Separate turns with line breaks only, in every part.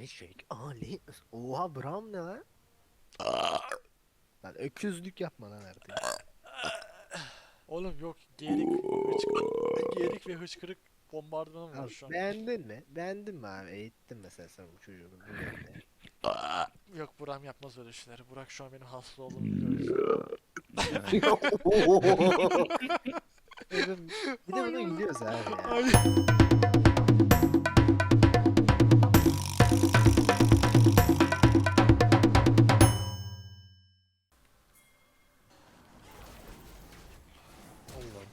Eşek Ali. Oha Bram ne lan? Lan öküzlük yapma lan artık.
Oğlum yok geğerik, geğerik ve hıçkırık bombardımanım var
Abi,
şu an.
beğendin mi? Beğendin mi abi? Eğittin mesela sen bu çocuğu bu yönde.
Yok Buram yapmaz öyle şeyleri. Burak şu an benim hasta olduğumu biliyor.
Bir de buna gülüyoruz abi ya.
Ay.
Allah'ım.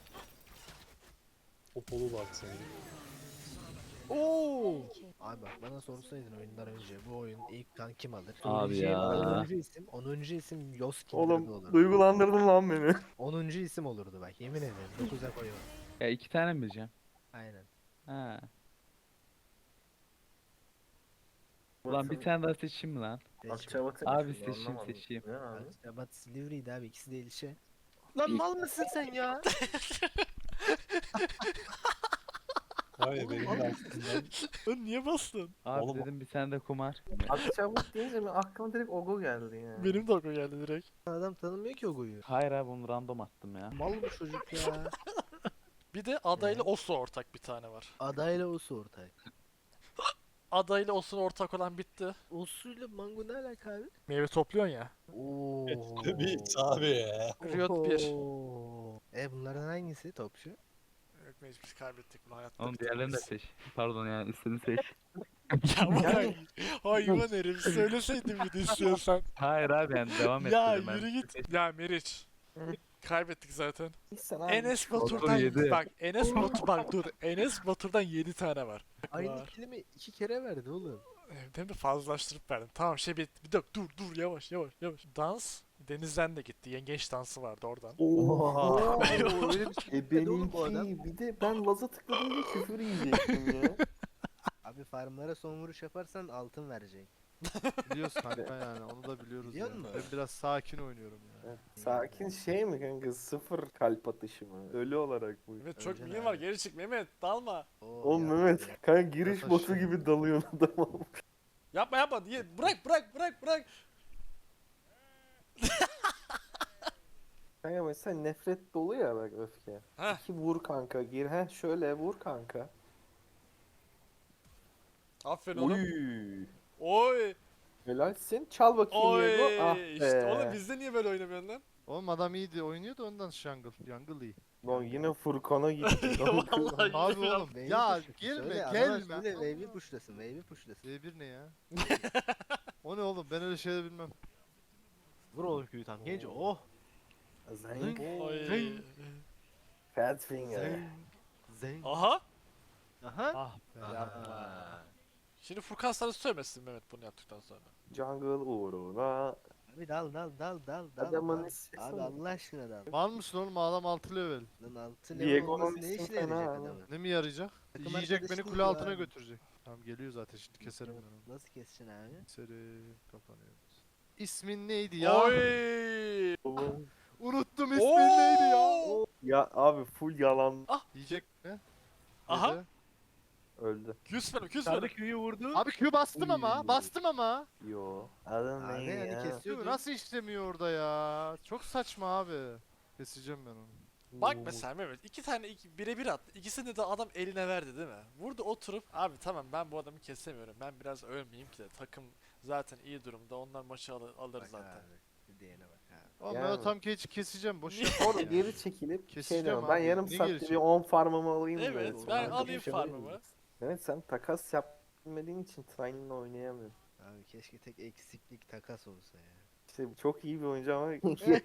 Popolu var senin.
Oo! Abi bak bana sorsaydın oyundan önce bu oyun ilk kan kim alır?
Abi
Söyleyeceğim
ya.
10. isim Yoskin
Oğlum
olurdu.
duygulandırdın lan beni.
10. isim olurdu bak yemin ederim. 9'a koyuyorum.
Ya iki tane mi bileceğim?
Aynen.
Ha. Ulan bir tane daha seçeyim mi lan?
Akçabat'ı
Abi seçeyim.
Ne abi?
Akçabat Silivri'ydi abi ikisi de ilçe. Lan mal mısın sen ya?
Hayır benim de aklımdan.
Lan niye bastın?
Abi
Oğlum-
dedim bir tane de kumar.
Akçabat deyince mi aklıma direkt Ogo geldi ya.
Benim de aklıma geldi direkt.
Adam tanımıyor ki o goyu.
Hayır abi onu random attım ya.
Mal bu çocuk ya.
Bir de adayla Osu ortak bir tane var.
Adayla Osu ortak.
Adayla Osu ortak olan bitti.
Osu'yla Mango ne alaka abi?
Meyve topluyorsun ya.
Oo.
Bir abi ya.
Riot 1.
Bunlardan hangisi topçu?
Yok mecbur biz kaybettik bunu hayatta.
Oğlum diğerlerini de seç. Pardon ya istediğini seç.
Ya Burak. Hayvan herif söyleseydin bir de istiyorsan.
Hayır abi yani devam
Ya
ettirdim ben.
yürü git. Ya Meriç. Kaybettik zaten.
Sen abi.
Enes
Batur
Batur'dan
yedi.
bak Enes Batur bak dur Enes Batur'dan 7 tane var.
Aynı
Var.
kelime 2 kere verdi oğlum.
Hem de fazlaştırıp verdim. Tamam şey bir dakika dur yavaş. Dans Denizden de gitti. Yengeç dansı vardı oradan.
Oha.
Öyle bir şey demedi oğlum bu adam.
Benimki bir de ben Laz'a tıkladım diye küfür yiyecektim ya.
Abi farmlara son vuruş yaparsan altın verecek.
Biliyoruz kanka yani onu da biliyoruz
Biliyor
yani.
musun?
Ben biraz sakin oynuyorum ya.
Sakin şey mi kanka? Sıfır kalp atışı mı? Ölü olarak bu.
Mehmet çok
Öleceksin
milyon var
abi.
geri çık Mehmet dalma.
Oo,
Oğlum
ya.
Mehmet kanka giriş
Yataş
botu
ya.
gibi dalıyorsun adama.
Yapma diye bırak.
Kanka mesela nefret dolu ya bak öfke.
Heh.
İki vur kanka gir. Heh şöyle vur kanka.
Aferin oğlum.
Oy.
Oy.
Helalsin. Çal bakayım
Oy.
Diego. Ah
İşte
be.
oğlum bizde niye böyle oynamıyorsun lan?
Oğlum adam iyiydi oynuyor da ondan Jungle iyi.
Lan yine Furkan'a gitti. kanka.
Vallahi
Abi
biraz-
oğlum
Wave'i
ya
pushlasın.
gelme
Söyle, adama
gelme.
söyle, wave'i pushlasın, wave'i pushlasın.
D1 ne ya? O ne oğlum ben öyle şeyler bilmem.
Vur oğlum köyü tam genç. Oh.
Zenk.
Oy.
Fat finger.
Zeng.
Aha.
Aha.
Ah be.
Aha.
Şimdi Furkan sana söylemesin Mehmet bunu yaptıktan sonra.
Jungle uğruna.
Abi dal.
Adamın
dal.
sesi
Abi
mi?
Allah aşkına dal.
Var mısın oğlum adam 6 level.
Lan altı
Diego'nun
olması ne
ismi
işine yarayacak
fena abi.
adamın?
Ne mi yarayacak?
Takım
Yiyecek
arkadaşı
beni
değil
kule
bu
altına
abi.
götürecek. Tamam geliyor zaten şimdi keserim ben onu.
Nasıl keseceksin abi?
Keserim kapanıyor. İsmin neydi ya?
Oy.
Unuttum ismin neydi ya?
Oo.
Ya abi full yalan
Yiyecek ne?
Aha.
Yedi.
öldü.
Küs bana.
Sarı köyü vurdu.
Abi Q bastım ama
Uy.
bastım ama.
Yo. Adın
Abi
ne
hani
ya?
kesiyordu.
Q nasıl işlemiyor orada ya? Çok saçma abi. Keseceğim ben onu.
Bak mesela Mehmet iki tane birebir attı. İkisini de adam eline verdi değil mi? Burada oturup abi tamam ben bu adamı kesemiyorum. Ben biraz ölmeyeyim ki de takım zaten iyi durumda. Onlar maçı alır
Bak
zaten.
abi. Bir diyene bak abi.
Oğlum
Yani.
ben o tam keçi keseceğim. Boş
Niye?
yapma
Orada
ya.
geri çekilip şey
Keseceğim
diyorum. Ben
abi.
yarım
Ne
saatte
geri
bir 10 farmımı alayım.
Evet,
diyorum.
ben
Sonra
alayım
şey
farmımı.
yapayım. Evet sen takas yapmadığın için Trine'la oynayamıyorsun.
Abi keşke tek eksiklik takas olsa ya.
İşte çok iyi bir oyuncu ama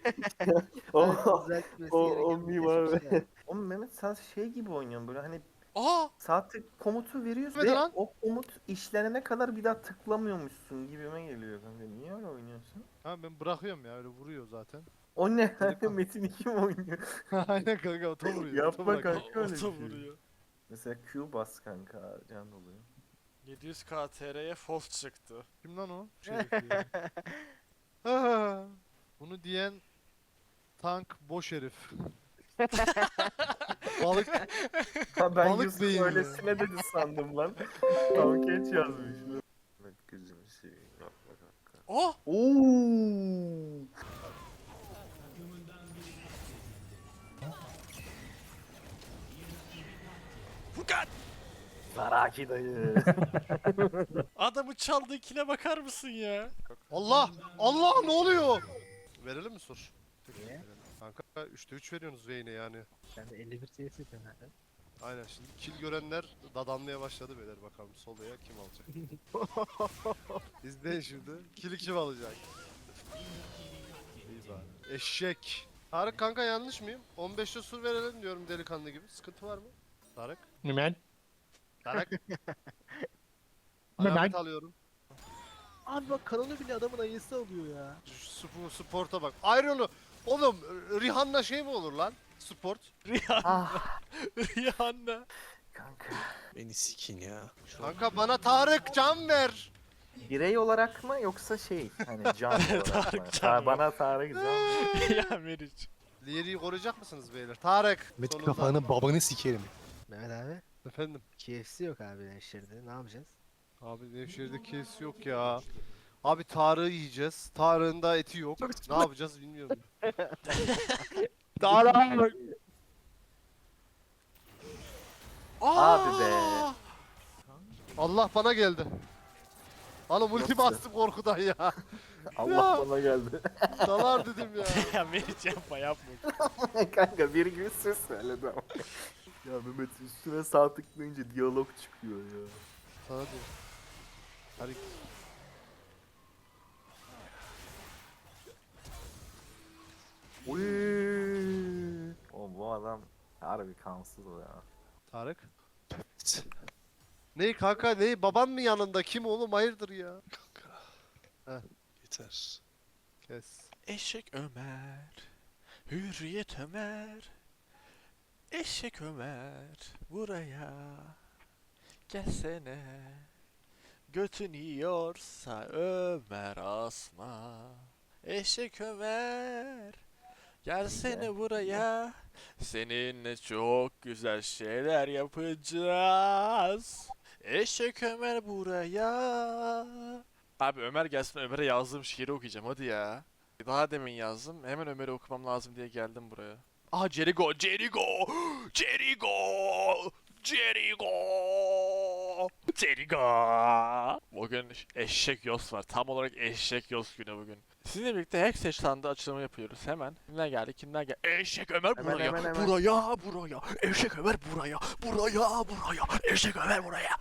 O, düzeltmesi
o
gereken bir
mimar
tek şey.
Oğlum Mehmet sen şey gibi oynuyorsun böyle hani
Aa!
saatlik komutu veriyorsun
Evet
ve
lan.
o komut işlenene kadar bir daha tıklamıyormuşsun gibime geliyor kanka. Niye öyle oynuyorsun?
Ha ben bırakıyorum ya öyle vuruyor zaten.
O ne? Metin 2 mi oynuyor?
Aynen kanka oto vuruyor.
Yapma
oto bırak.
kanka. öyle bir
Oto
şey.
vuruyor.
Mesela Q bas kanka can doluyor.
700k TR'ye false çıktı.
Kim lan o? Şerif ya. Ha, bunu diyen tank boş herif. Balık
Ha ben
Balık
Yusuf
beyni.
öylesine dedi sandım lan. Tam geç yazmış.
Oh!
Oo.
Furkan!
Zaraki dayı.
Adamı çaldığı kile bakar mısın ya?
Allah! Allah ne oluyor? Verelim mi sur?
Niye?
Kanka 3'te 3 veriyorsunuz Vayne'e yani.
Ben de 51 CS yapıyorum zaten.
Aynen şimdi kill görenler dadanmaya başladı beyler bakalım soloya kim alacak. İzleyin şimdi. Kill'i kim alacak? İyi bari. Eşek. Tarık kanka yanlış mıyım? 15'te sur verelim diyorum delikanlı gibi. Sıkıntı var mı? Tarık.
Hemen.
Tarık.
Hemen.
Alamet alıyorum.
Abi bak kanalı bile adamın ayısı alıyor ya.
Şu sporta bak. Ayrılı. Oğlum Rihanna şey mi olur lan? Sport.
Rihanna.
Ah
Rihanna.
kanka.
Beni sikin ya.
Kanka bana Tarık can ver.
Birey olarak mı yoksa şey hani can olarak
Tarık
mı?
can
Bana Tarık can.
Ya Meriç.
Liyeri'yi koruyacak mısınız beyler? Tarık.
Met
sonunda.
kafanı babanı sikerim.
Mehmet abi.
Efendim.
KFC yok abi Nevşehir'de. Ne yapacağız?
Abi Nevşehir'de kes yok ya. Abi Tarık'ı yiyeceğiz. Tarık'ın da eti yok. Ne yapacağız bilmiyorum. Tarık.
Abi be.
Allah bana geldi. Oğlum ulti
Nasıl?
bastım korkudan ya.
Allah bana geldi.
Dalar dedim ya.
Ya Meriç yapma yapma.
Kanka bir gibi söz söyledi ama. Ya Mehmet üstüne sağ tıklayınca diyalog çıkıyor ya.
Sana diyor. Hadi.
Uy. O bu adam harbi kansız o ya.
Tarık. Ney kanka ney baban mı yanında kim oğlum hayırdır ya.
Yeter.
Kes.
Eşek Ömer. Hürriyet Ömer. Eşek Ömer. Buraya. Gelsene. Götün yiyorsa Ömer asma. Eşek Ömer. Gelsene buraya. Seninle çok güzel şeyler yapacağız. Eşek Ömer buraya. Abi Ömer gelsin, Ömer'e yazdığım şiiri okuyacağım hadi ya. Daha demin yazdım. Hemen Ömer'i okumam lazım diye geldim buraya. Aha Jericho, Jericho, Jericho, Jericho, Jericho. Bugün eşek yos var. Tam olarak eşek yos günü bugün. Sizinle birlikte Hextech standı açılımı yapıyoruz hemen. Kimler geldi? Kimler geldi? Eşek Ömer
Hemen,
buraya,
hemen, hemen.
buraya, buraya. Eşek Ömer buraya, buraya, buraya. Eşek Ömer buraya.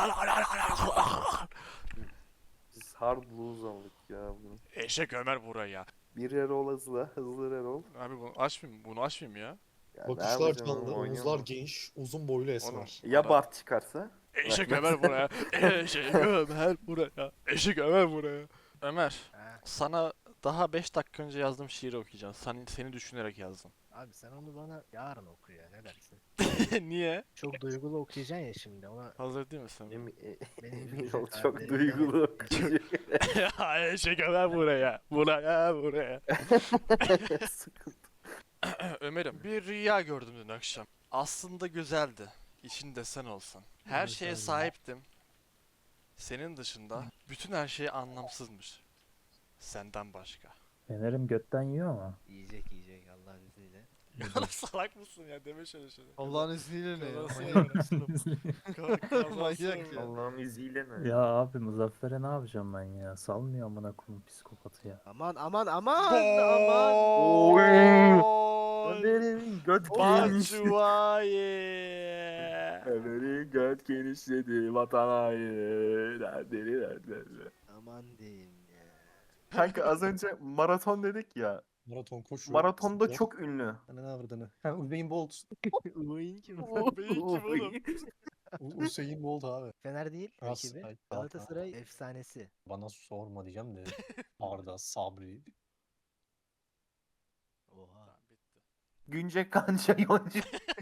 Biz hard blues aldık ya bugün.
Eşek Ömer buraya.
Bir Erol hızlı Erol.
Abi bunu açmayayım, bunu açmayayım ya.
Ya ne
Bakışlar
yapacağım
canlı,
oğlum,
omuzlar
oynayamam.
geniş, uzun boylu esmer.
Ya Bart çıkarsa?
Eşek Ömer buraya. Eşek Ömer buraya. Eşek Ömer buraya. Ömer,
Ha.
sana daha 5 dakika önce yazdığım şiiri okuyacağım. Seni düşünerek yazdım.
Abi sen onu bana yarın oku ya ne dersin?
Niye?
Çok duygulu okuyacaksın ya şimdi ona
Hazır değil misin?
benim
Erol
abi,
çok duygulu.
Ya Eşek Ömer buraya. Buraya, buraya.
Sıkıntı.
Ömer'im, bir rüya gördüm dün akşam. Aslında güzeldi. İçinde sen olsan. Her
Evet,
şeye
öyle.
sahiptim. Senin dışında bütün her şey anlamsızmış. Senden başka.
Fener'im götten yiyor ama.
yiyecek Allah'ın izniyle.
Ya salak mısın ya deme şöyle şeyler.
Allah'ın izniyle ne ya?
Kazası
Manyak.
Kazası
Manyak ya.
Allah'ın izniyle ne?
Ya abi Muzaffer'e ne yapacağım ben ya? Salmıyor amına koyayım psikopatı ya.
Aman aman aman
Oy.
Gol!
Ömer'in göt geniş.
Batshuayi!
Ömer'in göt genişledi vatanayı. Derdleri.
aman diyeyim ya.
Kanka az önce maraton dedik ya.
Maraton koşu.
Maratonda
spor.
çok ünlü.
Ananı avradını. Ha Usain Bolt.
Uyuyun kim?
Beyin kim oğlum?
Usain Bolt abi.
Fener değil
Galatasaray,
rakibi.
Galatasaray.
Galatasaray efsanesi.
Bana sorma diyeceğim de. Arda, Sabri.
Oha.
Bitti.
Günce Kanca Yonca.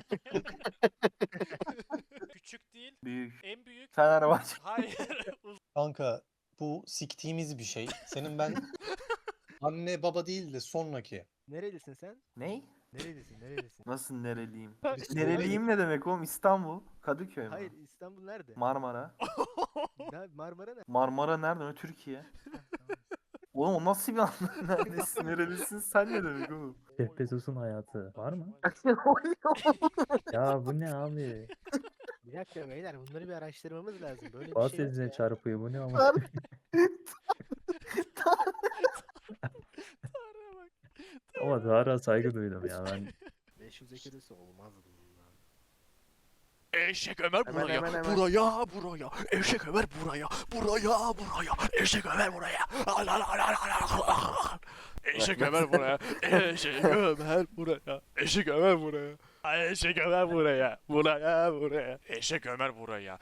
Küçük değil,
Büyük.
en büyük.
Fenerbahçe.
Hayır.
Kanka bu siktiğimiz bir şey. Senin ben anne baba değil de sonraki.
Nerelisin sen?
Ney?
Nerelisin?
Nasıl nereliyim?
Biz
Nereliyim ne demek oğlum? İstanbul. Kadıköy mü?
Hayır İstanbul nerede?
Marmara.
Marmara nerede?
Marmara nerede? O Türkiye. Oğlum o nasıl bir anlam? Neredesin? Nerelisin? Sen ne demek oğlum?
Jeff Bezos'un hayatı var mı? Ya bu ne abi?
Bir dakika beyler bunları bir araştırmamız lazım. Böyle bir
Bas
şey yok
ezine
ya.
çarpıyor bu ne ama?
Tanrı'ya bak.
Ama Tarık'a saygı duydum ya ben.
500 ekürüsü olmaz bundan.
Eşek Ömer
Hemen,
buraya,
hemen, hemen.
buraya. Eşek Ömer buraya, buraya. Eşek Ömer buraya. Eşek Ömer buraya, Eşek Ömer buraya. Eşek Ömer buraya. Eşek Ömer buraya, buraya. Eşek Ömer buraya,